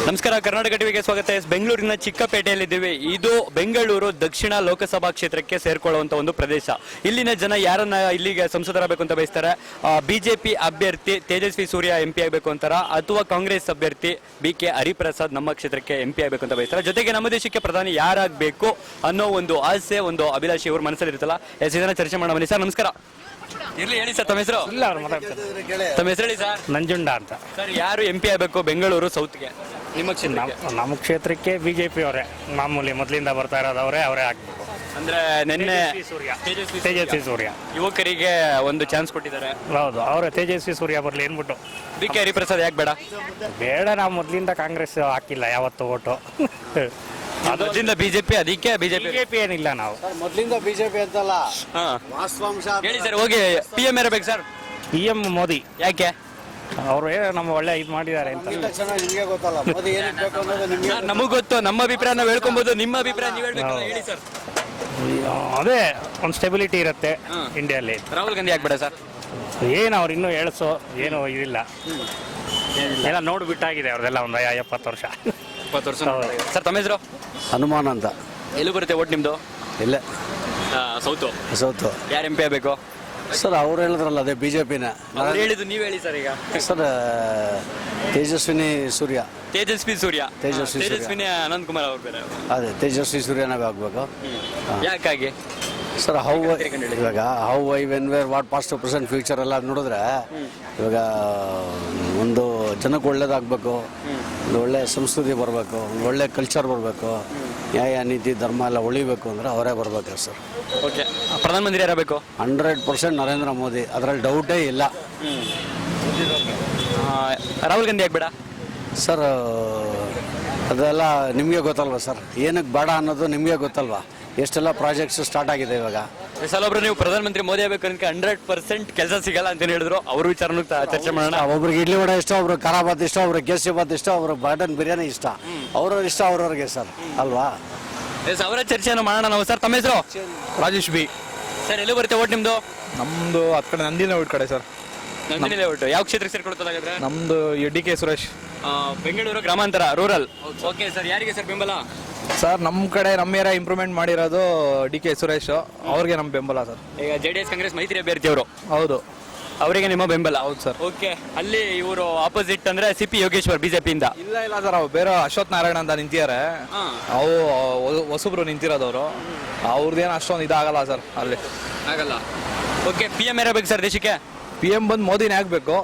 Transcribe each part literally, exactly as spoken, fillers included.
ನಮಸ್ಕಾರ, ಕರ್ನಾಟಕ ಟಿವಿಗೆ ಸ್ವಾಗತ. ಎಸ್ ಬೆಂಗಳೂರಿನ ಚಿಕ್ಕಪೇಟೆಯಲ್ಲಿದ್ದೀವಿ. ಇದು ಬೆಂಗಳೂರು ದಕ್ಷಿಣ ಲೋಕಸಭಾ ಕ್ಷೇತ್ರಕ್ಕೆ ಸೇರ್ಕೊಳ್ಳುವಂತ ಒಂದು ಪ್ರದೇಶ. ಇಲ್ಲಿನ ಜನ ಯಾರನ್ನ ಇಲ್ಲಿಗೆ ಸಂಸದರಾಗಬೇಕು ಅಂತ ಬಯಸ್ತಾರೆ? ಬಿಜೆಪಿ ಅಭ್ಯರ್ಥಿ ತೇಜಸ್ವಿ ಸೂರ್ಯ ಎಂ ಪಿ ಆಗಬೇಕು ಅಂತಾರ, ಅಥವಾ ಕಾಂಗ್ರೆಸ್ ಅಭ್ಯರ್ಥಿ ಬಿ ಕೆ ಹರಿಪ್ರಸಾದ್ ನಮ್ಮ ಕ್ಷೇತ್ರಕ್ಕೆ ಎಂ ಪಿ ಆಗಬೇಕು ಅಂತ ಬಯಸ್ತಾರೆ. ಜೊತೆಗೆ ನಮ್ಮ ದೇಶಕ್ಕೆ ಪ್ರಧಾನಿ ಯಾರಾಗಬೇಕು ಅನ್ನೋ ಒಂದು ಆಸೆ, ಒಂದು ಅಭಿಲಾಷೆ ಇವ್ರ ಮನಸ್ಸಲ್ಲಿ ಇರುತ್ತಲ್ಲ. ಎಸ್ ಇದನ್ನ ಚರ್ಚೆ ಮಾಡೋಣ ಬನ್ನಿ. ಸರ್ ನಮಸ್ಕಾರ. ಇರ್ಲಿ ಹೇಳಿ ಸರ್, ತಮ್ಮ ಹೆಸರು? ಇಲ್ಲ ಅವ್ರು ಮಾತಾಡ್ತಾರೆ. ತಮ್ಮ ಹೆಸರು ಹೇಳಿ ಸರ್. ನಂಜುಂಡ ಅಂತ. ಸರ್ ಯಾರು ಎಂ ಪಿ ಆಗಬೇಕು ಬೆಂಗಳೂರು ಸೌತ್ಗೆ ನಿಮ್ಮ ಕ್ಷೇತ್ರ? ನಮ್ಮ ಕ್ಷೇತ್ರಕ್ಕೆ ಬಿಜೆಪಿ ಅವರೇ ಮಾಮೂಲಿ ಮೊದಲಿಂದ ಬರ್ತಾ ಇರೋದು ಅವರೇ ಅವರೇ ಆಗ್ಬೇಕು. ಅಂದ್ರೆ ನಿನ್ನೆ ಸೂರ್ಯ ತೇಜಸ್ವಿ ತೇಜಸ್ವಿ ಸೂರ್ಯ ಯುವಕರಿಗೆ ಒಂದು ಚಾನ್ಸ್ ಕೊಟ್ಟಿದ್ದಾರೆ. ಹೌದು, ಅವರೇ ತೇಜಸ್ವಿ ಸೂರ್ಯ ಬರಲಿ ಏನ್ಬಿಟ್ಟು. ಬಿ ಕೆ ಹರಿಪ್ರಸಾದ್ ಯಾಕೆ ಬೇಡ? ಬೇಡ, ನಾವು ಮೊದಲಿಂದ ಕಾಂಗ್ರೆಸ್ ಹಾಕಿಲ್ಲ ಯಾವತ್ತು ಓಟು. ಅದರಿಂದ ಬಿಜೆಪಿ, ಅದಕ್ಕೆ ಬಿಜೆಪಿ ಬಿಜೆಪಿ ಏನಿಲ್ಲ ನಾವು ಮೊದಲಿಂದ ಬಿಜೆಪಿ ಅಂತಲ್ಲ. ಹಾ ವಾಸ್ತವಾಂಶ ಹೇಳಿ ಸರ್. ಹೋಗಿ ಪಿ ಎಂ ಇರಬೇಕು ಸರ್. ಪಿ ಎಂ ಮೋದಿ ಯಾಕೆ? ಅವರು ಏನೋ ನಮ್ಮ ಒಳ್ಳೆ ಇದು ಮಾಡಿದ್ದಾರೆ ಅಂತ. ಚೆನ್ನಾಗಿ ನಿಮಗೆ ಗೊತ್ತಲ್ಲ ಮೋದಿ ಏನಿಗೆ ಬೇಕು ಅನ್ನೋದು ನಿಮಗೆ. ಸರ್, ನಮಗ್ ಗೊತ್ತು, ನಮ್ಮ ಅಭಿಪ್ರಾಯ ನಾವು ಹೇಳ್ಕೊಬಹುದು. ನಿಮ್ಮ ಅಭಿಪ್ರಾಯ ನೀವು ಹೇಳ್ಬೇಕಲ್ಲ, ಹೇಳಿ ಸರ್. ಅದೇ ಒಂದು ಸ್ಟೆಬಿಲಿಟಿ ಇರುತ್ತೆ ಇಂಡಿಯಲ್ಲಿ. ರಾಹುಲ್ ಗಾಂಧಿ ಯಾಕೆ ಬೇಡ ಸರ್? ಏನು ಅವ್ರು ಇನ್ನೂ ಹೇಳ್ಸೋ ಏನು ಇದಿಲ್ಲ, ಎಲ್ಲ ನೋಡ್ಬಿಟ್ಟಾಗಿದೆ ಅವ್ರದೆಲ್ಲ ಒಂದು ಎಪ್ಪತ್ತು ವರ್ಷ. ಇಪ್ಪತ್ತು ವರ್ಷ. ಸರ್ ತಮ್ಮ ಹೆಸರು? ಹನುಮಾನ್ ಅಂತ. ಎಲ್ಲಿ ಬರುತ್ತೆ ಓಟ್ ನಿಮ್ದು? ಇಲ್ಲ ಸೌತು. ಸೌತು ಯಾರು ಎಂ ಪಿ ಆಗಬೇಕು ಸರ್? ಅವ್ರು ಹೇಳಿದ್ರಲ್ಲ ಅದೇ ಬಿಜೆಪಿನ. ಅವ್ರು ಹೇಳಿದ್ದು ನೀವು ಹೇಳಿ ಸರ್. ಈಗ ಸರ್ ತೇಜಸ್ವಿನಿ ಸೂರ್ಯ. ತೇಜಸ್ವಿ ಸೂರ್ಯ. ತೇಜಸ್ವಿ ಸೂರ್ಯ. ತೇಜಸ್ವಿನಿ ಅನಂತ್ ಕುಮಾರ್ ಅವ್ರು ಬೇರೆ. ಅದೇ ತೇಜಸ್ವಿ ಸೂರ್ಯನೇ ಆಗ್ಬೇಕು. ಯಾಕಾಗಿ ಸರ್ ಹೌ ಇವಾಗ how I when where what past present future ಎಲ್ಲ ನೋಡಿದ್ರೆ ಇವಾಗ ಒಂದು ಜನಕ್ಕೆ ಒಳ್ಳೇದಾಗಬೇಕು, ಒಂದು ಒಳ್ಳೆ ಸಂಸ್ಕೃತಿ ಬರಬೇಕು, ಒಂದು ಒಳ್ಳೆ ಕಲ್ಚರ್ ಬರಬೇಕು, ನ್ಯಾಯ ನೀತಿ ಧರ್ಮ ಎಲ್ಲ ಉಳಿಬೇಕು ಅಂದರೆ ಅವರೇ ಬರಬೇಕು ಸರ್. ಓಕೆ, ಪ್ರಧಾನಮಂತ್ರಿ ಯಾರಬೇಕು? ಹಂಡ್ರೆಡ್ ಪರ್ಸೆಂಟ್ ನರೇಂದ್ರ ಮೋದಿ, ಅದರಲ್ಲಿ ಡೌಟೇ ಇಲ್ಲ. ರಾಹುಲ್ ಗಾಂಧಿ ಯಾಕೆ ಬೇಡ ಸರ್? ಅದೆಲ್ಲ ನಿಮಗೆ ಗೊತ್ತಲ್ವಾ ಸರ್, ಏನಕ್ಕೆ ಬೇಡ ಅನ್ನೋದು ನಿಮಗೆ ಗೊತ್ತಲ್ವಾ? ಎಷ್ಟೆಲ್ಲ ಪ್ರಾಜೆಕ್ಟ್ಸ್ ಸ್ಟಾರ್ಟ್ ಆಗಿದೆ ಇವಾಗ. ಸಲ ಒಬ್ರು ನೀವು ಪ್ರಧಾನಮಂತ್ರಿ ಮೋದಿ ಆಗಬೇಕು ಅಂತ ಹಂಡ್ರೆಡ್ ಪರ್ಸೆಂಟ್ ಕೆಲಸ ಸಿಗಲ್ಲ ಅಂತ ಹೇಳಿದ್ರು. ಅವ್ರ ವಿಚಾರನೂ ಚರ್ಚೆ ಮಾಡೋಣ. ಒಬ್ರಿಗೆ ಇಡ್ಲಿ ವಡೆ ಇಷ್ಟ, ಒಬ್ರು ಖಾರ ಬಾತ್ ಇಷ್ಟ, ಒಬ್ರಿಗೆ ಕೇಸರಿ ಬಾತ್ ಇಷ್ಟ, ಒಬ್ರು ಮಟನ್ ಬಿರಿಯಾನಿ ಇಷ್ಟ. ಅವ್ರವ್ರ ಇಷ್ಟ ಅವ್ರವ್ರಿಗೆ ಸರ್, ಅಲ್ವಾ? ಎಸ್, ಅವರ ಚರ್ಚೆಯನ್ನು ಮಾಡೋಣ ನಾವು. ಸರ್ ತಮ್ಮ ಹೆಸರು? ರಾಜೇಶ್ ಬಿ. ಸರ್ ಎಲ್ಲಿ ಬರುತ್ತೆ ಓಟ್ ನಿಮ್ದು? ನಮ್ದು ಹತ್ತು ಕಡೆ ನಂದಿನ ಊಟ ಕಡೆ ಸರ್. ನಂದಿನಿಲೇ ಓಟು. ಯಾವ ಕ್ಷೇತ್ರಕ್ಕೆ ಸೇರ್ಕೊಳ್ತದಾಗಿದ್ರೆ? ನಮ್ದು ಡಿ ಕೆ ಸುರೇಶ್. ಬೆಂಗಳೂರು ಗ್ರಾಮಾಂತರ, ರೂರಲ್. ಓಕೆ ಸರ್, ಯಾರಿಗೆ ಸರ್ ಬೆಂಬಲ? ಸರ್ ನಮ್ಮ ಕಡೆ ನಮ್ಮ ಏರಿಯಾ ಇಂಪ್ರೂವ್ಮೆಂಟ್ ಮಾಡಿರೋದು ಡಿ ಕೆ ಸುರೇಶ್, ಅವ್ರಿಗೆ ನಮ್ಮ ಬೆಂಬಲ ಸರ್. ಈಗ ಜೆ ಡಿ ಎಸ್ ಕಾಂಗ್ರೆಸ್ ಮೈತ್ರಿ ಅಭ್ಯರ್ಥಿ ಅವರು, ಹೌದು, ಅವರಿಗೆ ನಿಮ್ಮ ಬೆಂಬಲ? ಹೌದು ಸರ್. ಓಕೆ, ಅಲ್ಲಿ ಇವರು ಆಪೋಸಿಟ್ ಅಂದ್ರೆ ಸಿ ಪಿ ಯೋಗೇಶ್ವರ್ ಬಿಜೆಪಿಯಿಂದ. ಇಲ್ಲ ಇಲ್ಲ ಸರ್, ಅವು ಬೇರೆ ಅಶ್ವಥ್ ನಾರಾಯಣ ಅಂತ ನಿಂತಿದ್ದಾರೆ. ಅವು ಹೊಸಬ್ರು ನಿಂತಿರೋದವರು, ಅವ್ರದ್ದೇನು ಅಷ್ಟೊಂದು ಇದಾಗಲ್ಲ ಸರ್ ಅಲ್ಲಿ. ಆಗಲ್ಲ. ಓಕೆ, ಪಿ ಎಂ ಇರಬೇಕು ಸರ್ ದೇಶಕ್ಕೆ? ಪಿ ಎಂ ಬಂದು ಮೋದಿನೇ ಆಗ್ಬೇಕು.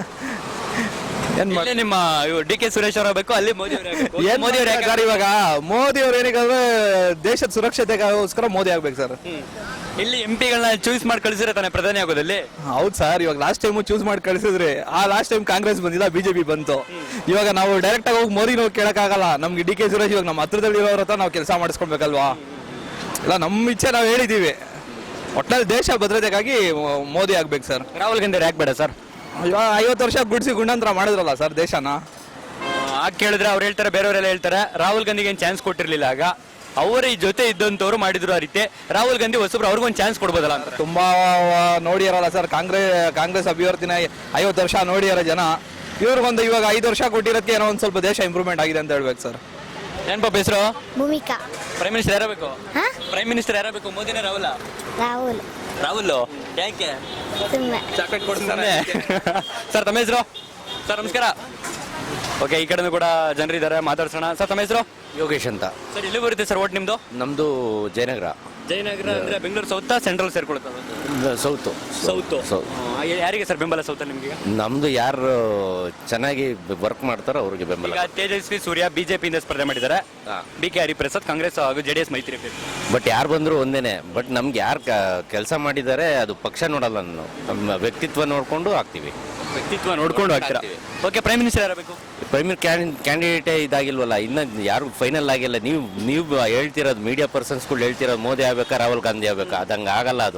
ಏನ್ ಮಾಡಿ ನಿಮ್ಮ ಡಿ ಕೆ ಸುರೇಶ್ ಅವರ ಬೇಕು, ಅಲ್ಲಿ ಮೋದಿ ಏನ್ ಮೋದಿ ಅವ್ರು ಯಾಕೆ ಇವಾಗ ಮೋದಿ ಅವ್ರು ಏನಿಗಾದ್ರೆ ದೇಶದ ಸುರಕ್ಷತೆಗೋಸ್ಕರ ಮೋದಿ ಆಗ್ಬೇಕು ಸರ್. ಇಲ್ಲಿ ಎಂ ಪಿಗಳನ್ನ ಚೂಸ್ ಮಾಡಿ ಕಳಿಸಿದ್ರೆ ತಾನೆ ಪ್ರಧಾನಿ ಆಗೋದಲ್ಲಿ? ಹೌದು ಸರ್, ಇವಾಗ ಲಾಸ್ಟ್ ಟೈಮ್ ಚೂಸ್ ಮಾಡಿ ಕಳಿಸಿದ್ರಿ. ಆ ಲಾಸ್ಟ್ ಟೈಮ್ ಕಾಂಗ್ರೆಸ್ ಬಂದಿಲ್ಲ, ಬಿಜೆಪಿ ಬಂತು. ಇವಾಗ ನಾವು ಡೈರೆಕ್ಟ್ ಆಗಿ ಹೋಗಿ ಮೋದಿ ನಾವು ಕೇಳಕ್ಕಾಗಲ್ಲ. ನಮ್ಗೆ ಡಿ ಕೆ ಸುರೇಶ್ ಇವಾಗ ನಮ್ಮ ಹತ್ರದಲ್ಲಿ ಇರೋರ ಹತ್ರ ನಾವು ಕೆಲಸ ಮಾಡಿಸ್ಕೊಳ್ಬೇಕಲ್ವಾ? ಇಲ್ಲ, ನಮ್ಮ ಇಚ್ಛೆ ನಾವು ಹೇಳಿದೀವಿ. ಒಟ್ನಲ್ಲಿ ದೇಶ ಭದ್ರತೆಗಾಗಿ ಮೋದಿ ಆಗ್ಬೇಕು ಸರ್. ರಾಹುಲ್ ಗಾಂಧಿ ಯಾಕೆ ಬೇಡ ಸರ್? ಇವಾಗ ಐವತ್ತು ವರ್ಷ ಗುಡಿಸಿ ಗುಂಡಾಂತರ ಮಾಡಿದ್ರಲ್ಲ ಸರ್ ದೇಶನ. ಆಗ ಕೇಳಿದ್ರೆ ಅವ್ರು ಹೇಳ್ತಾರೆ, ಬೇರೆಯವರೆಲ್ಲ ಹೇಳ್ತಾರೆ ರಾಹುಲ್ ಗಾಂಧಿಗೆ ಏನು ಚಾನ್ಸ್ ಕೊಟ್ಟಿರ್ಲಿಲ್ಲ. ಆಗ ಅವರ ಈ ಜೊತೆ ಇದ್ದಂಥವ್ರು ಮಾಡಿದ್ರು ಆ ರೀತಿ. ರಾಹುಲ್ ಗಾಂಧಿ ಹೊಸಬ್ರು ಅವ್ರಿಗೊಂದು ಚಾನ್ಸ್ ಕೊಡ್ಬೋದಲ್ಲ ಅಂತ. ತುಂಬಾ ನೋಡಿಯಾರಲ್ಲ ಸರ್, ಕಾಂಗ್ರೆಸ್ ಕಾಂಗ್ರೆಸ್ ಅಭ್ಯರ್ಥಿನ ಐವತ್ತು ವರ್ಷ ನೋಡಿಯಾರ ಜನ. ಇವ್ರಿಗೊಂದು ಇವಾಗ ಐದು ವರ್ಷ ಕೊಟ್ಟಿರೋದಕ್ಕೆ ಏನೋ ಒಂದು ಸ್ವಲ್ಪ ದೇಶ ಇಂಪ್ರೂವ್ಮೆಂಟ್ ಆಗಿದೆ ಅಂತ ಹೇಳ್ಬೇಕು ಸರ್. ಏನ್ ಪಾಪ ಹೆಸರು? ಭೂಮಿಕಾ. ಪ್ರೈಮ್ ಮಿನಿಸ್ಟರ್ ಯಾರಬೇಕು? ಪ್ರೈಮ್ ಮಿನಿಸ್ಟರ್ ಯಾರಬೇಕು? ಮೋದಿನ ರಾಹುಲ್? ರಾಹುಲ್. ರಾಹುಲ್ ಯಾಕೆ? ಸುಮ್ಮನೆ ಚಾಕ್ಲೇಟ್ ಕೊಡ್ತಾನೆ. ಸರ್ ತಮ್ಮ ಹೆಸರು? ಸರ್ ನಮಸ್ಕಾರ. ಓಕೆ, ಈ ಕಡೆನೂ ಕೂಡ ಜನರಿದ್ದಾರೆ, ಮಾತಾಡ್ಸೋಣ. ಸರ್ ತಮ್ಮ ಹೆಸರು? ಯೋಗೇಶ್ ಅಂತ. ಸರ್ ಎಲ್ಲಿ ಬರುತ್ತೆ ಸರ್ ಓಟ್ ನಿಮ್ದು? ನಮ್ಮದು ಜಯನಗರ. ಜಯನಗರ ಅಂದ್ರೆ ಬೆಂಗಳೂರು ಸೌತ್ ಸೆಂಟ್ರಲ್ ಸೇರ್ಕೊಳ್ತದೆ? ಸೌತು. ಸೌತು. ಸೌತ್. ಯಾರಿಗೆ ಸರ್ ಬೆಂಬಲ ಸೌತ್ ನಿಮ್ಗೆ? ನಮ್ದು ಯಾರು ಚೆನ್ನಾಗಿ ವರ್ಕ್ ಮಾಡ್ತಾರೋ ಅವ್ರಿಗೆ ಬೆಂಬಲ. ಈಗ ತೇಜಸ್ವಿ ಸೂರ್ಯ ಬಿಜೆಪಿಯಿಂದ ಸ್ಪರ್ಧೆ ಮಾಡಿದ್ದಾರೆ, ಬಿ ಕೆ ಹರಿಪ್ರಸಾದ್ ಕಾಂಗ್ರೆಸ್ ಹಾಗೂ ಜೆಡಿಎಸ್ ಮೈತ್ರಿ. ಬಟ್ ಯಾರು ಬಂದ್ರು ಒಂದೇನೆ. ಬಟ್ ನಮ್ಗೆ ಯಾರು ಕೆಲಸ ಮಾಡಿದ್ದಾರೆ ಅದು ಪಕ್ಷ ನೋಡಲ್ಲ, ನಾವು ನಮ್ಮ ವ್ಯಕ್ತಿತ್ವ ನೋಡ್ಕೊಂಡು ಹಾಕ್ತಿವಿ. ವ್ಯಕ್ತಿತ್ವ ನೋಡ್ಕೊಂಡು ಹಾಕ್ತೀರಾ? ಓಕೆ, ಪ್ರೈಮ್ ಮಿನಿಸ್ಟರ್ ಯಾರಬೇಕು? ಪ್ರೈಮ್ ಕ್ಯಾಂಡಿಡೇಟೇ ಇದಾಗಿಲ್ವಲ್ಲ, ಇನ್ನು ಯಾರು ಫೈನಲ್ ಆಗಿಲ್ಲ. ನೀವು ನೀವು ಹೇಳ್ತಿರೋದು ಮೀಡಿಯಾ ಪರ್ಸನ್ಸ್ಗಳು ಹೇಳ್ತಿರೋದು ಮೋದಿ ಆಗ್ಬೇಕಾ ರಾಹುಲ್ ಗಾಂಧಿ ಆಗ್ಬೇಕಾ? ಅದಂಗೆ ಆಗಲ್ಲ ಅದು.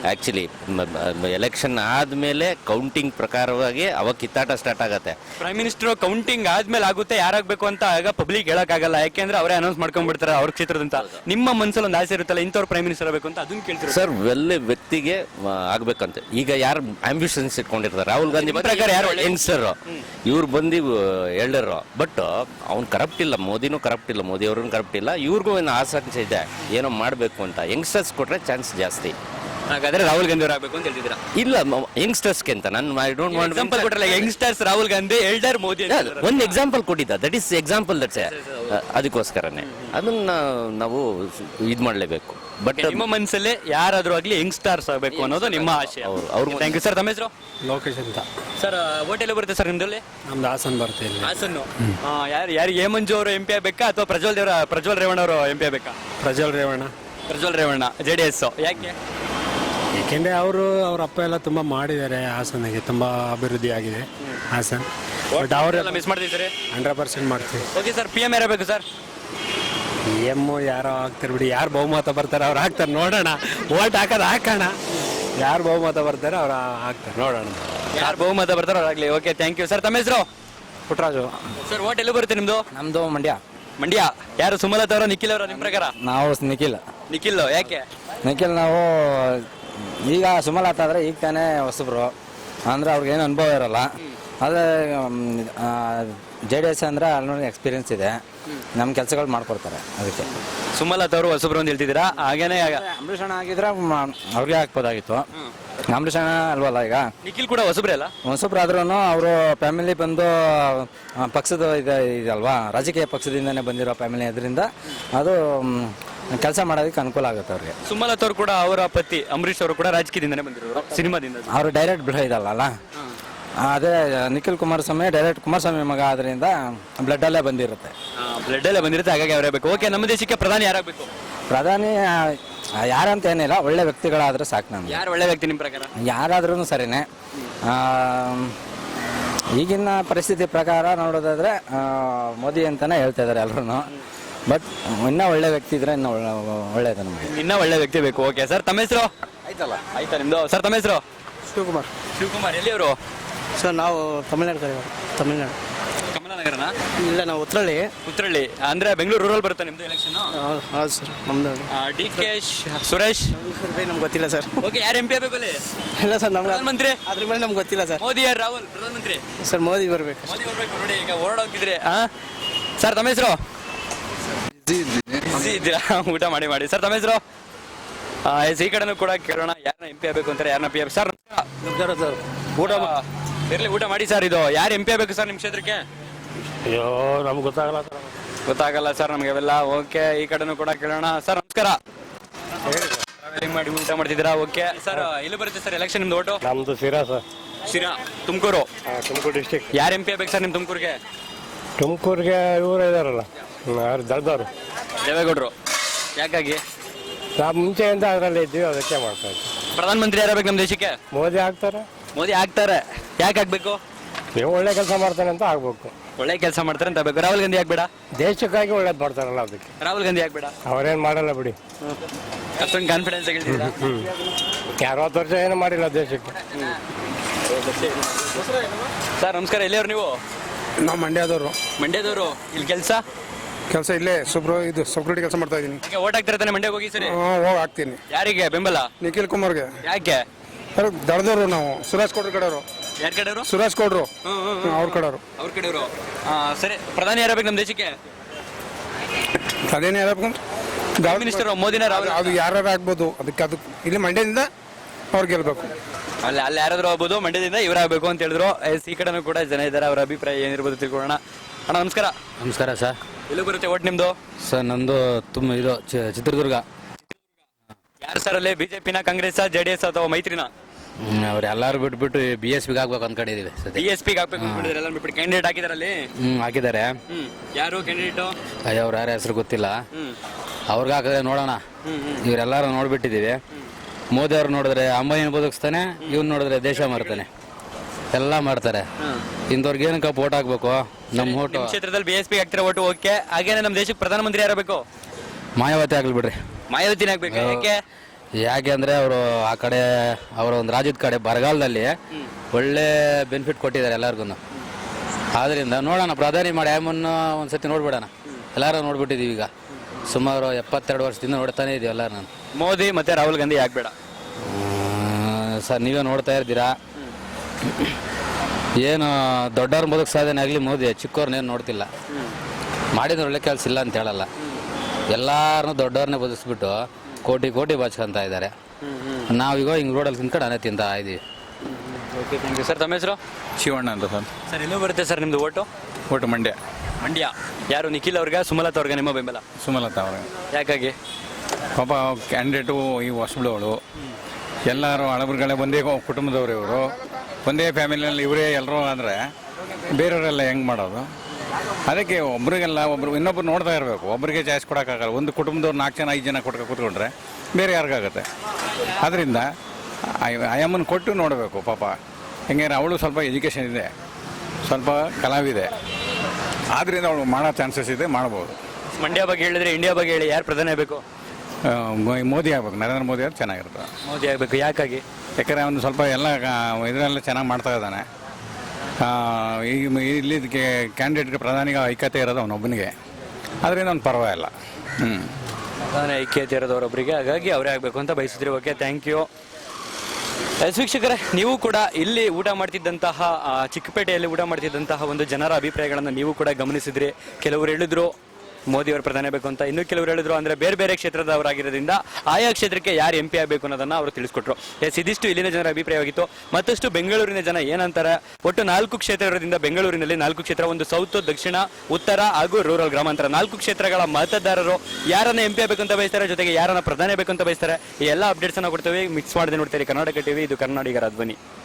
ಆ್ಯಕ್ಚುಲಿ ಎಲೆಕ್ಷನ್ ಆದಮೇಲೆ ಕೌಂಟಿಂಗ್ ಪ್ರಕಾರವಾಗಿ ಅವಾಗ ಕಿತ್ತಾಟ ಸ್ಟಾರ್ಟ್ ಆಗತ್ತೆ. ಪ್ರೈಮ್ ಮಿನಿಸ್ಟರ್ ಕೌಂಟಿಂಗ್ ಆದ್ಮೇಲೆ ಆಗುತ್ತೆ ಯಾರಾಗಬೇಕು ಅಂತ ಆಗ ಪಬ್ಲಿಕ್ ಹೇಳಕ್ಕಾಗಲ್ಲ, ಯಾಕೆಂದ್ರೆ ಅವರೇ ಅನೌನ್ಸ್ ಮಾಡ್ಕೊಂಡ್ಬಿಡ್ತಾರೆ ಅವ್ರ ಕ್ಷೇತ್ರದಂತ. ನಿಮ್ಮ ಮನಸ್ಸಲ್ಲಿ ಒಂದು ಆಸೆ ಇರುತ್ತಲ್ಲ ಇಂಥವ್ರು ಪ್ರೈಮ್ ಮಿನಿಸ್ಟರ್ ಆಗಬೇಕು ಅಂತ, ಅದನ್ನ ಕೇಳ್ತೀರಾ ಸರ್? ಒಳ್ಳೆ ವ್ಯಕ್ತಿಗೆ ಆ, ಆಗ್ಬೇಕಂತೆ. ಈಗ ಯಾರು ಆಂಬಿಷನ್ಸ್ ಇಟ್ಕೊಂಡಿರ್ತಾರೆ, ರಾಹುಲ್ ಗಾಂಧಿ ಪ್ರಕಾರ ಯಾರು ಯಂಗ್ಸ್ಟರ್, ಇವ್ರು ಬಂದು ಎಲ್ಡರು, ಬಟ್ ಅವ್ನು ಕರಪ್ಟ್ ಇಲ್ಲ, ಮೋದಿನೂ ಕರಪ್ಟ್ ಇಲ್ಲ, ಮೋದಿ ಅವ್ರನ್ನ ಕರಪ್ಟ್ ಇಲ್ಲ, ಇವ್ರಿಗೂ ಏನು ಆಸಕ್ತಿ ಇದೆ ಏನೋ ಮಾಡಬೇಕು ಅಂತ. ಯಂಗ್ಸ್ಟರ್ಸ್ ಕೊಟ್ರೆ ಚಾನ್ಸ್ ಜಾಸ್ತಿ. ಹಾಗಾದ್ರೆ ರಾಹುಲ್ ಗಾಂಧಿ ಅವರು ಆಗಬೇಕು ಅಂತ ಹೇಳ್ತಿದ್ದೀರಾ? ಇಲ್ಲ, ಯಂಗ್ಸ್ಟರ್ಸ್ಗೆ ಅಂತ ನಾನು ಐ ಡೋಂಟ್ ವಾಂಟ್ ಎಕ್ಸಾಂಪಲ್ ಕೊಟ್ಟರಲ್ಲ, ಯಂಗ್ಸ್ಟರ್ಸ್ ರಾಹುಲ್ ಗಾಂಧಿ, ಎಲ್ಡರ್ ಮೋದಿ ಅಂತ ಹೇಳಿದ್ರು. ಒಂದು ಎಕ್ಸಾಂಪಲ್ ಕೊಟ್ಟಿದ್ದ, ದಟ್ ಈಸ್ ಎಕ್ಸಾಂಪಲ್ ದಟ್ಸ್ ಅದಕ್ಕೋಸ್ಕರನೇ ಅದನ್ನ ನಾವು ಇದು ಮಾಡಲೇಬೇಕು. ಬಟ್ ನಿಮ್ಮ ಮನಸ್ಸಲ್ಲಿ ಯಾರಾದ್ರೂ ಆಗ್ಲಿ ಯಂಗ್ಸ್ಟರ್ಸ್ ಆಗಬೇಕು ಅನ್ನೋದು ನಿಮ್ಮ ಆಶಯ. ಅವ್ರು- ಅವ್ರು- ಥ್ಯಾಂಕ್ ಯು ಸರ್. ತಮ್ಮ ಹೆಸರು? ಲೋಕೇಶ್ ಅಂತ. ಸರ್ ಹೋಟೆಲ್ ಬರುತ್ತೆ ಸರ್ ನಿಮ್ದಲ್ಲಿ? ನಮ್ದು ಹಾಸನ್ ಬರುತ್ತೆ ಇಲ್ಲಿ. ಹಾಸನ್ನು. ಯಾರು ಯಾರು ಎ ಮಂಜು ಅವರು ಎಂ ಪಿ ಆಗಬೇಕಾ ಅಥವಾ ಪ್ರಜ್ವಲ್ ದೇವರ ಪ್ರಜ್ವಲ್ ರೇವಣ್ಣ ಅವರು ಎಂ ಪಿ ಆಗಬೇಕಾ? Prajwal Revanna. Prajwal Revanna J D S. ಯಾಕೆ? ಏಕೆಂದರೆ ಅವರು ಅವ್ರ ಅಪ್ಪ ಎಲ್ಲ ತುಂಬ ಮಾಡಿದ್ದಾರೆ ಹಾಸನಿಗೆ, ತುಂಬ ಅಭಿವೃದ್ಧಿ ಆಗಿದೆ ಹಾಸನ್. ಬಟ್ ಅವರೆಲ್ಲ ಮಿಸ್ ಮಾಡ್ತಿದ್ದೀರಿ? ಹಂಡ್ರೆಡ್ ಪರ್ಸೆಂಟ್ ಮಾಡ್ತೀವಿ. ಓಕೆ ಸರ್, ಪಿ ಎಂ ಇರಬೇಕು ಸರ್? ಪಿ ಎಮ್ಮು ಯಾರೋ ಆಗ್ತಾರೆ ಬಿಡಿ, ಯಾರು ಬಹುಮತ ಬರ್ತಾರೆ ಅವ್ರು ಹಾಕ್ತಾರೆ, ನೋಡೋಣ. ಓಟ್ ಹಾಕೋದು ಹಾಕೋಣ, ಯಾರು ಬಹುಮತ ಬರ್ತಾರೆ ಅವ್ರು ಹಾಕ್ತಾರೆ, ನೋಡೋಣ. ಯಾರು ಬಹುಮತ ಬರ್ತಾರೋ ಅವ್ರಾಗ್ಲಿ. Okay, thank you sir. ತಮ್ಮ ಹೆಸರು? ಪುಟ್ಟರಾಜು. ಸರ್ ಓಟ್ ಎಲ್ಲಿ ಬರುತ್ತೆ ನಿಮ್ದು? ನಮ್ಮದು ಮಂಡ್ಯ. ಮಂಡ್ಯ. ಯಾರು ಸುಮಲತಾ ಅವರ ನಿಖಿಲ್ ಅವರ ನಿಮ್ಮ ಪ್ರಕಾರ? ನಾವು ನಿಖಿಲ್. ನಿಖಿಲ್. ಯಾಕೆ? ನಿಖಿಲ್ ನಾವು ಈಗ ಸುಮಲತಾ ಆದರೆ ಈಗ ತಾನೇ ಹೊಸಬ್ರು, ಅಂದರೆ ಅವ್ರಿಗೇನು ಅನುಭವ ಇರೋಲ್ಲ. ಆದರೆ ಜೆ ಡಿ ಎಸ್ ಅಂದರೆ ಅಲ್ಲಿ ಎಕ್ಸ್ಪೀರಿಯನ್ಸ್ ಇದೆ, ನಮ್ಮ ಕೆಲಸಗಳು ಮಾಡ್ಕೊಡ್ತಾರೆ. ಅದಕ್ಕೆ ಸುಮಲತಾ ಅವರು ಹೊಸಬ್ರು ಅಂತ ಹೇಳ್ತಿದ್ದೀರಾ? ಹಾಗೇನೆ ಅಂಬರೀಷ್ ಅಣ್ಣ ಆಗಿದ್ರೆ ಮ- ಅವ್ರಿಗೆ ಹಾಕ್ಬೋದಾಗಿತ್ತು. ಅಂಬರೀಷ್ ಅಣ್ಣ ಅಲ್ವಲ್ಲ ಈಗ, ನಿಖಿಲ್ ಕೂಡ ಹೊಸಬ್ರೇ ಅಲ್ಲ? ಹೊಸಬ್ರು ಆದ್ರೂ ಅವರು ಫ್ಯಾಮಿಲಿ ಬಂದು ಆ, ಪಕ್ಷದ ಇದೆ ಇದಲ್ವಾ, ರಾಜಕೀಯ ಪಕ್ಷದಿಂದನೇ ಬಂದಿರೋ ಫ್ಯಾಮಿಲಿ, ಅದರಿಂದ ಅದು ಕೆಲಸ ಮಾಡೋದಕ್ಕೆ ಅನುಕೂಲ ಆಗುತ್ತೆ ಅವ್ರಿಗೆ. ಸುಮಲತಾ ಅವರು ಕೂಡ ಅವರ ಪತಿ ಅಂಬರೀಷ್ ಅವರು ಕೂಡ ರಾಜಕೀಯದಿಂದನೇ ಬಂದಿರೋರು, ಸಿನಿಮಾದಿಂದ. ಅವರು ಡೈರೆಕ್ಟ್ ಬಿಡ ಇದಲ್ಲ, ಅದೇ ನಿಖಿಲ್ ಕುಮಾರಸ್ವಾಮಿ ಡೈರೆಕ್ಟ್ ಕುಮಾರಸ್ವಾಮಿ ಮಗ ಆದ್ರಿಂದ ಬ್ಲಡ್ ಅಲ್ಲೇ ಬಂದಿರುತ್ತೆ. ಬ್ಲಡ್ ಎಲ್ಲ ಬಂದಿರುತ್ತೆ, ಹಾಗಾಗಿ ಅವರೇ ಬೇಕು. ಓಕೆ, ನಮ್ಮ ದೇಶಕ್ಕೆ ಪ್ರಧಾನಿ ಯಾರಾಗಬೇಕು? ಪ್ರಧಾನಿ ಆ, ಯಾರಂತ ಏನಿಲ್ಲ, ಒಳ್ಳೆ ವ್ಯಕ್ತಿಗಳಾದ್ರೆ ಸಾಕು. ನಮ್ಗೆ ಯಾರು ಒಳ್ಳೆ ವ್ಯಕ್ತಿ ನಿಮ್ಮ ಪ್ರಕಾರ? ಯಾರಾದ್ರೂ ಸರಿನೇ. ಆ, ಈಗಿನ ಪರಿಸ್ಥಿತಿ ಪ್ರಕಾರ ನೋಡೋದಾದ್ರೆ ಆ, ಮೋದಿ ಅಂತಾನೆ ಹೇಳ್ತಾ ಇದ್ದಾರೆ ಎಲ್ಲರೂ. ಬಟ್ ಇನ್ನೂ ಒಳ್ಳೆ ವ್ಯಕ್ತಿ ಇದ್ರೆ ಇನ್ನೂ ಒಳ್ಳೆ ಒಳ್ಳೇದು ನಮಗೆ. ಇನ್ನ ಒಳ್ಳೆ ವ್ಯಕ್ತಿ ಬೇಕು. ಓಕೆ ಸರ್, ತಮ್ಮ ಹೆಸರು? ಆಯ್ತಲ್ಲ, ಆಯ್ತಾ ನಿಮ್ದು? ಸರ್ ತಮ್ಮ ಹೆಸರು? ಶಿವಕುಮಾರ್. ಶಿವಕುಮಾರ್. ಎಲ್ಲಿಯವರು? ಸರ್ ನಾವು ತಮಿಳ್ನಾಡು ಕಡೆ, ತಮಿಳ್ನಾಡು. ಕಮಲಾನಗರನ? ಇಲ್ಲ ನಾವು ಉತ್ತರಳ್ಳಿ. ಉತ್ತರಳ್ಳಿ ಅಂದ್ರೆ ಬೆಂಗಳೂರು ರೂರಲ್ ಬರುತ್ತೆ ನಿಮ್ದು ಎಲೆಕ್ಷನ್? ಹೌದು ಹೌದು ಸರ್, ನಮ್ದು ಡಿ ಕೆ ಸುರೇಶ್. ನಮ್ಗೆ ಗೊತ್ತಿಲ್ಲ ಸರ್. ಓಕೆ, ಯಾರು ಎಂ ಪಿ ಆಗಬೇಕು ಅಲ್ಲಿ? ಇಲ್ಲ ಸರ್, ನಮ್ಗೆ ಪ್ರಧಾನಮಂತ್ರಿ ಅದ್ರ ಮೇಲೆ ನಮ್ಗೆ ಗೊತ್ತಿಲ್ಲ ಸರ್. ಮೋದಿ ಯಾರು? ರಾಹುಲ್ ಪ್ರಧಾನಮಂತ್ರಿ? ಸರ್ ಮೋದಿ ಬರಬೇಕು. ಮೋದಿ ಬರ್ಬೇಕು ನೋಡಿ, ಈಗ ಓಡಾಡ್ತಿದ್ರೆ. ಸರ್ ತಮ್ಮ ಹೆಸರು? ಬಿಸಿ ಇದ್ದೀರಾ? ಊಟ ಮಾಡಿ ಮಾಡಿ. ಸರ್ ತಮ್ಮ ಹೆಸರು? ಎಸ್, ಈ ಕಡೆನೂ ಕೂಡ ಕೇಳೋಣ, ಯಾರನ್ನ ಎಂ ಪಿ ಆಗಬೇಕು ಅಂತಾರೆ, ಯಾರನ್ನ ಪಿ ಎಂ? ಸರ್ ಸರ್ ಊಟ ಇರ್ಲಿ, ಊಟ ಮಾಡಿ ಸರ್. ಇದು ಯಾರು ಎಂ ಪಿ ಆಗಬೇಕು ಸರ್ ನಿಮ್ಮ ಕ್ಷೇತ್ರಕ್ಕೆ? ಅಯ್ಯೋ ನಮ್ಗೆ ಗೊತ್ತಾಗಲ್ಲ ಸರ್. ಗೊತ್ತಾಗಲ್ಲ ಸರ್ ನಮಗೆ ಅವೆಲ್ಲ. ಓಕೆ, ಈ ಕಡೆನೂ ಕೂಡ ಕೇಳೋಣ. ಸರ್ ನಮಸ್ಕಾರ. ಟ್ರಾವೆಲಿಂಗ್ ಮಾಡಿ ಊಟ ಮಾಡ್ತಿದ್ದೀರಾ? ಓಕೆ ಸರ್, ಎಲ್ಲಿ ಬರುತ್ತೆ ಸರ್ ಎಲೆಕ್ಷನ್ ನಿಮ್ದು ಓಟು? ನಮ್ದು ಸಿರಾ ಸರ್. ಶಿರಾ, ತುಮಕೂರು. ತುಮಕೂರು ಡಿಸ್ಟಿಕ್. ಯಾರು ಎಂ ಪಿ ಆಗ್ಬೇಕು ಸರ್ ನಿಮ್ಮ ತುಮಕೂರಿಗೆ? ತುಮಕೂರಿಗೆ ಇವರು ಇದಾರಲ್ಲ, ಯಾರು ದಳದವರು, ದೇವೇಗೌಡರು. ಯಾಕಾಗಿ? ನಾವು ಮುಂಚೆಯಿಂದ ಅದರಲ್ಲಿ ಇದ್ದೀವಿ, ಅದಕ್ಕೆ ಮಾಡ್ತಾ ಇದ್ದೀವಿ. ಪ್ರಧಾನಮಂತ್ರಿ ಯಾರಾಗಬೇಕು ನಮ್ಮ ದೇಶಕ್ಕೆ? ಮೋದಿ ಆಗ್ತಾರೆ. ಮೋದಿ ಆಗ್ತಾರೆ. ಯಾಕೆ ಆಗ್ಬೇಕು? ನೀವು ಒಳ್ಳೆ ಕೆಲಸ ಮಾಡ್ತಾನೆ ಅಂತ ಆಗ್ಬೇಕು. ಒಳ್ಳೆ ಕೆಲಸ ಮಾಡ್ತಾರೆ ಅಂತ ಆಗ್ಬೇಕು. ರಾಹುಲ್ ಗಾಂಧಿ ಆಗ್ಬೇಡ? ದೇಶಕ್ಕಾಗಿ ಒಳ್ಳೇದು ಮಾಡ್ತಾರಲ್ಲ ಅದಕ್ಕೆ. ರಾಹುಲ್ ಗಾಂಧಿ ಆಗ್ಬೇಡ? ಅವರೇನು ಮಾಡಲ್ಲ ಬಿಡಿ. ಅಷ್ಟೊಂದು ಕಾನ್ಫಿಡೆನ್ಸ್ ಹೇಳ್ತಿದ್ದೀರಾ? ಅರವತ್ತು ವರ್ಷ ಏನು ಮಾಡಿಲ್ಲ ದೇಶಕ್ಕೆ. ಸರ್ ನಮಸ್ಕಾರ. ಎಲ್ಲಿಯವ್ರು ನೀವು? ನಾವು ಮಂಡ್ಯದವರು. ಮಂಡ್ಯದವರು. ಇಲ್ಲಿ ಕೆಲಸ? ಕೆಲಸ ಇಲ್ಲೇ ಸುಬ್ರೋ ಇದು ಸೆಕ್ಯೂರಿಟಿ ಕೆಲಸ ಮಾಡ್ತಾ ಇದ್ದೀನಿ. ಈಗ ಓಟ್ ಹಾಕ್ತಾರೆ ತಾನೆ ಮಂಡ್ಯಕ್ಕೆ ಹೋಗಿ ಸರಿ? ಹೋಗಿ ಹಾಕ್ತೀನಿ. ಯಾರಿಗೆ ಬೆಂಬಲ? ನಿಖಿಲ್ ಕುಮಾರ್ಗೆ. ಯಾಕೆ? ದಳದವರು ನಾವು, ಸುರೇಶ್ ಗೌಡ್ರ ಕಡೆಯವರು. ಯಾರ ಕಡೆಯವರು? ಸುರೇಶ್ ಗೌಡ್ರು ಅವ್ರ ಕಡೆಯವರು. ಅವ್ರ ಕಡೆಯವರು. ಸರಿ, ಪ್ರಧಾನಿ ಯಾರಾಗಬೇಕು ನಮ್ಮ ದೇಶಕ್ಕೆ? ಅದೇನೇ ಹೇಳ್ಬೇಕು, ಪ್ರೈಮ್ ಮಿನಿಸ್ಟರ್ ಮೋದಿನ ರಾಹುಲ್? ಅದು ಯಾರು ಆಗ್ಬೋದು, ಅದಕ್ಕೆ ಅದು ಇಲ್ಲಿ ಮಂಡ್ಯದಿಂದ ಅವ್ರು ಗೆಲ್ಬೇಕು. ಅಲ್ಲಿ ಅಲ್ಲಿ ಯಾರಾದ್ರೂ ಆಗ್ಬೋದು, ಮಂಡ್ಯದಿಂದ ಇವರಾಗಬೇಕು ಅಂತ ಹೇಳಿದ್ರು. ಎಸ್, ಈ ಕಡೆನೂ ಕೂಡ ಜನ ಇದ್ದಾರೆ, ಅವರ ಅಭಿಪ್ರಾಯ ಏನಿರ್ಬೋದು ತಿಳ್ಕೊಳ್ಳೋಣ. ಅಣ್ಣ ನಮಸ್ಕಾರ. ನಮಸ್ಕಾರ ಸರ್. ಎಲ್ಲಿ ಬರುತ್ತೆ ಓಟ್ ನಿಮ್ದು? ಸರ್ ನಮ್ಮದು ತುಂಬ ಇದು ಚಿ- ಚಿತ್ರದುರ್ಗ. ಯಾರು ಸರ್ ಅಲ್ಲಿ? ಬಿಜೆಪಿನ, ಕಾಂಗ್ರೆಸ್, ಜೆ ಡಿ ಎಸ್ ಅಥವಾ ಮೈತ್ರಿನ? ಅವ್ರು ಎಲ್ಲರೂ ಬಿಟ್ಬಿಟ್ಟು ಬಿ ಎಸ್ ಪಿಗೆ ಹಾಕ್ಬೇಕು ಅಂದ್ಕೊಂಡಿದ್ದೀವಿ ಸದ್ಯ. ಬಿ ಎಸ್ ಪಿಗೆ ಹಾಕ್ಬೇಕು ಅಂದ್ಬಿಟ್ಟಿದ್ದಾರೆ ಎಲ್ಲ ಬಿಟ್ಬಿಟ್ಟು. ಕ್ಯಾಂಡಿಡೇಟ್ ಹಾಕಿದಾರೆ ಅಲ್ಲಿ? ಹ್ಞೂ ಹಾಕಿದ್ದಾರೆ. ಹ್ಮ್, ಯಾರು ಕ್ಯಾಂಡಿಡೇಟು? ಅಯ್ಯೋ ಅವ್ರ ಯಾರ ಹೆಸರು ಗೊತ್ತಿಲ್ಲ. ಹ್ಮ್ ಅವ್ರಿಗೆ ಹಾಕಿದ್ರೆ ನೋಡೋಣ. ಇವರೆಲ್ಲರೂ ನೋಡ್ಬಿಟ್ಟಿದ್ದೀವಿ. ಮೋದಿ ಅವ್ರು ನೋಡಿದ್ರೆ ಅಂಬಾನಿನ ಬದುಕಿಸ್ತಾನೆ, ಇವ್ನು ನೋಡಿದ್ರೆ ದೇಶ ಮಾರ್ತಾನೆ, ಎಲ್ಲ ಮಾಡ್ತಾರೆ. ಇಂಥವ್ರಿಗೆ ಏನಕ್ಕೆ ಓಟ್ ಹಾಕ್ಬೇಕು? ನಮ್ಮ ಓಟು ನಿಮ್ಮ ಕ್ಷೇತ್ರದಲ್ಲಿ ಬಿ ಎಸ್ ಪಿ ಹಾಕ್ತಿರೋ ಓಟು. ಓಕೆ, ಹಾಗೇನೆ ನಮ್ಮ ದೇಶಕ್ಕೆ ಪ್ರಧಾನಮಂತ್ರಿ ಯಾರಬೇಕು? ಮಾಯಾವತಿ ಆಗ್ಲಿ ಬಿಡ್ರಿ. ಮಾಯಾವತಿನ ಆಗ್ಬೇಕು. ಯಾಕೆ? ಯಾಕೆ ಅಂದರೆ ಅವರು ಆ ಕಡೆ ಅವರ ಒಂದು ರಾಜ್ಯದ ಕಡೆ ಬರಗಾಲದಲ್ಲಿ ಒಳ್ಳೆ ಬೆನಿಫಿಟ್ ಕೊಟ್ಟಿದ್ದಾರೆ ಎಲ್ಲರಿಗೂ. ಆದ್ದರಿಂದ ನೋಡೋಣ, ಪ್ರಧಾನಿ ಮಾಡಿ ಆಮನ್ನು ಒಂದು ಸತಿ ನೋಡ್ಬಿಡೋಣ. ಎಲ್ಲರೂ ನೋಡ್ಬಿಟ್ಟಿದ್ದೀವಿ ಈಗ, ಸುಮಾರು ಎಪ್ಪತ್ತೆರಡು ವರ್ಷದಿಂದ ನೋಡ್ತಾನೆ ಇದೀವಿ ಎಲ್ಲರೂ. ನಾನು ಮೋದಿ ಮತ್ತೆ ರಾಹುಲ್ ಗಾಂಧಿ ಯಾಕೆ ಬೇಡ? ಸರ್ ನೀವೇ ನೋಡ್ತಾ ಇರ್ತೀರಾ, ಏನು ದೊಡ್ಡವ್ರ ಬದುಕು ಸಾಧನೆ ಆಗಲಿ ಮೋದಿ, ಚಿಕ್ಕವ್ರನ್ನೇನು ನೋಡ್ತಿಲ್ಲ. ಮಾಡಿದ್ರೆ ಒಳ್ಳೆ ಕೆಲಸ ಇಲ್ಲ ಅಂತ ಹೇಳಲ್ಲ, ಎಲ್ಲಾರನ್ನೂ ದೊಡ್ಡವ್ರನ್ನೇ ಬದುಕಿಸ್ಬಿಟ್ಟು ಕೋಟಿ ಕೋಟಿ ಬಾಚ್ಕೊಂತ ಇದ್ದಾರೆ. ನಾವೀಗ ಹಿಂಗೆ ರೋಡಲ್ಲಿ ತಿನ್ಕೊಂಡು ಅನೇ ತಿಂತಾ ಇದ್ದೀವಿ. Okay, thank you sir. ತಮ್ಮ ಹೆಸರು? ಶಿವಣ್ಣ ಅಂತ ಸರ್. ಸರ್ ಎಲ್ಲೂ ಬರುತ್ತೆ ಸರ್ ನಿಮ್ಮದು ಓಟು? ಒಟ್ಟು ಮಂಡ್ಯ. ಮಂಡ್ಯ. ಯಾರು, ನಿಖಿಲ್ ಅವ್ರಿಗೆ ಸುಮಲತಾ ಅವ್ರಿಗೆ ನಿಮ್ಮ ಬೆಂಬಲ? ಸುಮಲತಾ ಅವ್ರಿಗೆ. ಯಾಕಾಗಿ? ಪಾಪ ಕ್ಯಾಂಡಿಡೇಟು ಈ ಹೊಸಬಳವಳು, ಎಲ್ಲರೂ ಹಳಬರುಗಳೇ ಒಂದೇ ಕುಟುಂಬದವರು, ಇವರು ಒಂದೇ ಫ್ಯಾಮಿಲಿಯಲ್ಲಿ ಇವರೇ ಎಲ್ಲರೂ ಅಂದರೆ ಬೇರೆಯವರೆಲ್ಲ ಹೆಂಗೆ ಮಾಡೋದು? ಅದಕ್ಕೆ ಒಬ್ರಿಗೆಲ್ಲ ಒಬ್ರು ಇನ್ನೊಬ್ರು ನೋಡ್ತಾ ಇರಬೇಕು. ಒಬ್ಬರಿಗೆ ಚಾಯ್ಸ್ ಕೊಡೋಕ್ಕಾಗಲ್ಲ. ಒಂದು ಕುಟುಂಬದವ್ರು ನಾಲ್ಕು ಜನ ಐದು ಜನ ಕೊಟ್ಕೊ ಕೂತ್ಕೊಂಡ್ರೆ ಬೇರೆ ಯಾರಿಗಾಗುತ್ತೆ? ಅದರಿಂದ ಆಯಮ್ಮನ ಕೊಟ್ಟು ನೋಡಬೇಕು. ಪಾಪ ಹೆಂಗೆ ಅವಳು ಸ್ವಲ್ಪ ಎಜುಕೇಷನ್ ಇದೆ, ಸ್ವಲ್ಪ ಕಲಾವಿದೆ, ಆದ್ದರಿಂದ ಅವಳು ಮಾಡೋ ಚಾನ್ಸಸ್ ಇದೆ, ಮಾಡ್ಬೋದು. ಮಂಡ್ಯ ಬಗ್ಗೆ ಹೇಳಿದ್ರೆ ಇಂಡಿಯಾ ಬಗ್ಗೆ ಹೇಳಿ, ಯಾರು ಪ್ರಧಾನಿ ಆಗಬೇಕು? ಮೋದಿ ಆಗ್ಬೇಕು, ನರೇಂದ್ರ ಮೋದಿ ಅವ್ರು ಚೆನ್ನಾಗಿರ್ತದೆ. ಮೋದಿ ಆಗಬೇಕು. ಯಾಕಾಗಿ? ಯಾಕಂದರೆ ಅವನು ಸ್ವಲ್ಪ ಎಲ್ಲ ಇದರೆಲ್ಲ ಚೆನ್ನಾಗಿ ಮಾಡ್ತಾ ಇದ್ದಾನೆ. ಈಗ ಇಲ್ಲಿ ಕ್ಯಾಂಡಿಡೇಟ್ಗೆ ಪ್ರಧಾನಿಗೆ ಐಕ್ಯತೆ ಇರೋದು ಅವನೊಬ್ಬನಿಗೆ, ಅದರಿಂದ ಅವ್ನು ಪರವಾಗಿಲ್ಲ. ಹ್ಞೂ ಪ್ರಧಾನಿ ಐಕ್ಯತೆ ಇರೋದವರೊಬ್ಬರಿಗೆ, ಹಾಗಾಗಿ ಅವರೇ ಆಗಬೇಕು ಅಂತ ಬಯಸಿದ್ರಿ. Okay, thank you. ಎಸ್ ವೀಕ್ಷಕರೇ, ನೀವು ಕೂಡ ಇಲ್ಲಿ ಊಟ ಮಾಡ್ತಿದ್ದಂತಹ ಆ, ಚಿಕ್ಕಪೇಟೆಯಲ್ಲಿ ಊಟ ಮಾಡ್ತಿದ್ದಂತಹ ಒಂದು ಜನರ ಅಭಿಪ್ರಾಯಗಳನ್ನು ನೀವು ಕೂಡ ಗಮನಿಸಿದ್ರಿ. ಕೆಲವರು ಹೇಳಿದ್ರು ಮೋದಿ ಅವರು ಪ್ರಧಾನಿ ಬೇಕು ಅಂತ, ಇನ್ನು ಕೆಲವರು ಹೇಳಿದ್ರು ಅಂದ್ರೆ ಬೇರೆ ಬೇರೆ ಕ್ಷೇತ್ರದವರಾಗಿರೋದ್ರಿಂದ ಆಯಾ ಕ್ಷೇತ್ರಕ್ಕೆ ಯಾರು ಎಂ ಪಿ ಆಗಬೇಕು ಅನ್ನೋದನ್ನ ಅವರು ತಿಳಿಸ್ಕೊಟ್ರು. ಎಸ್, ಇದಿಷ್ಟು ಇಲ್ಲಿನ ಜನರ ಅಭಿಪ್ರಾಯವಾಗಿತ್ತು. ಮತ್ತಷ್ಟು ಬೆಂಗಳೂರಿನ ಜನ ಏನಂತಾರೆ, ಒಟ್ಟು ನಾಲ್ಕು ಕ್ಷೇತ್ರ ಇರೋದ್ರಿಂದ ಬೆಂಗಳೂರಿನಲ್ಲಿ ನಾಲ್ಕು ಕ್ಷೇತ್ರ, ಒಂದು ಸೌತ್, ದಕ್ಷಿಣ, ಉತ್ತರ ಹಾಗೂ ರೂರಲ್ ಗ್ರಾಮಾಂತರ, ನಾಲ್ಕು ಕ್ಷೇತ್ರಗಳ ಮತದಾರರು ಯಾರನ್ನ ಎಂ ಪಿ ಆಗಬೇಕು ಅಂತ ಬಯಸ್ತಾರೆ, ಜೊತೆಗೆ ಯಾರನ್ನ ಪ್ರಧಾನಿ ಬೇಕು ಅಂತ ಬಯಸ್ತಾರೆ, ಈ ಎಲ್ಲ ಅಪ್ಡೇಟ್ಸ್ ಅನ್ನ ಕೊಡ್ತೇವೆ. ಮಿಕ್ಸ್ ಮಾಡದೆ ನೋಡ್ತೀರಿ ಕರ್ನಾಟಕ ಟಿವಿ, ಇದು ಕರ್ನಾಟಕರ ಧ್ವನಿ.